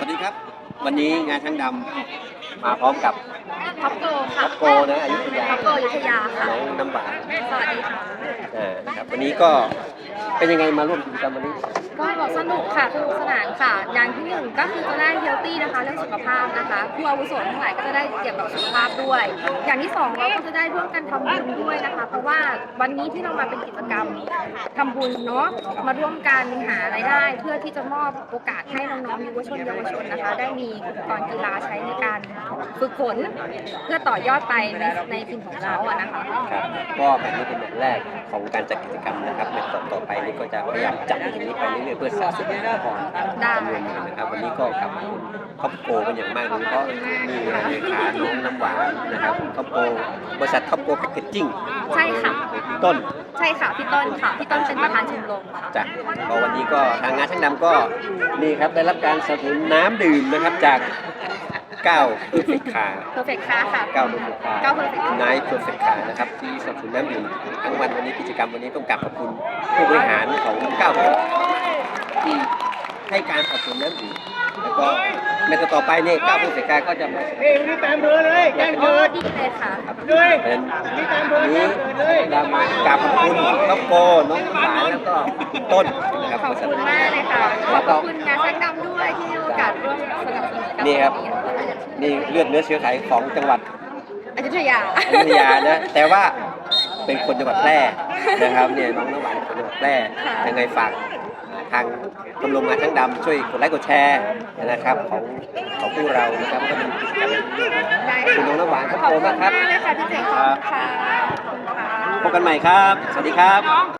ดีครับวันนี้งานช่างดำมาพร้อมกับท็อปโกค่ะท็อปโกนะอยุธยาท็อปโกอยุธยาค่ะน้องน้ำหวานสวัสดีค่ะนะครับวันนี้ก็เป็นยังไงมาร่วมกิจกรรมวันนี้ก็สนุกค่ะสนุกสนานค่ะอย่างที่หนึ่งก็คือจะได้เฮลตี้นะคะเรื่องสุขภาพนะคะผู้อาวุโสทั้งหลายก็จะได้เกี่ยวกับสุขภาพด้วยอย่างที่สองเราก็จะได้ร่วมกันทำบุญด้วยนะคะเพราะว่าวันนี้ที่เรามาเป็นกิจกรรมทำบุญเนาะมาร่วมกันหารายได้เพื่อที่จะมอบโอกาสให้น้องๆเยาวชนนะคะได้มีอุปกรณ์กีฬาใช้ในการฝึกฝนเพื่อต่อยอดไปในทีมของเราอะนะคะครับก็แบบนี้เป็นแบบแรกของการจัดกิจกรรมนะครับในต่อไปนี้ก็จะพยายามจัดอย่างนี้ไปเรื่อยๆเพื่อสะสมพรจำนวนเงินนะครับวันนี้ก็กับครอบโกเป็นอย่างมากเลยเพราะมีเลขาน้องน้ำหวานนะครับครอบโกบริษัทครอบโกแพคเกจจิ้งใช่ค่ะต้นใช่ค่ะพี่ต้นค่ะพี่ต้นเป็นประธานชมรมค่ะจ้ะก็วันนี้ก็ทางงานช่างดำก็นี่ครับได้รับการสนับสนุนน้ำดื่มนะครับจาก9 Perfect Car ค่ะ 9 Perfect Car 9 Perfect Car นะครับที่สนับสนุนน้ำดื่มทั้งวันนี้กิจกรรมวันนี้ต้องกราบขอบคุณผู้บริหารของ9 Perfect ที่ให้การสนับสนุนน้ำดื่มแล้วก็ในต่อไปเนี่ย9 Perfect Car ก็จะมานี่ตามเบอร์เลยแจ้งเกิดดีเลยค่ะด้วยนี่ตามเบอร์นี้เรามากราบขอบคุณน้องโกน้องหวานแล้วก็ต้นนะครับขอบคุณมากเลยค่ะขอบคุณงานช่างดำด้วยที่ให้โอกาสร่วมสนับสนุนนี่ครับนี่เลือดเนื้อเชื้อไขของจังหวัดอยุธยานะแต่ว่าเป็นคนจังหวัดแพร่นะครับเนี่ยน้องน้ำหวานคนจังหวัดแพร่ยังไงฝากทางชมรมงานช่างดำช่วยกดไลค์กดแชร์นะครับของพวกเรานะครับก็เป็นกิจกรรมคุณน้องน้ำหวานขอบคุณมากครับขอบคุณมากเลยค่ะพี่เจ๋งขอบคุณค่ะพบกันใหม่ครับสวัสดีครับ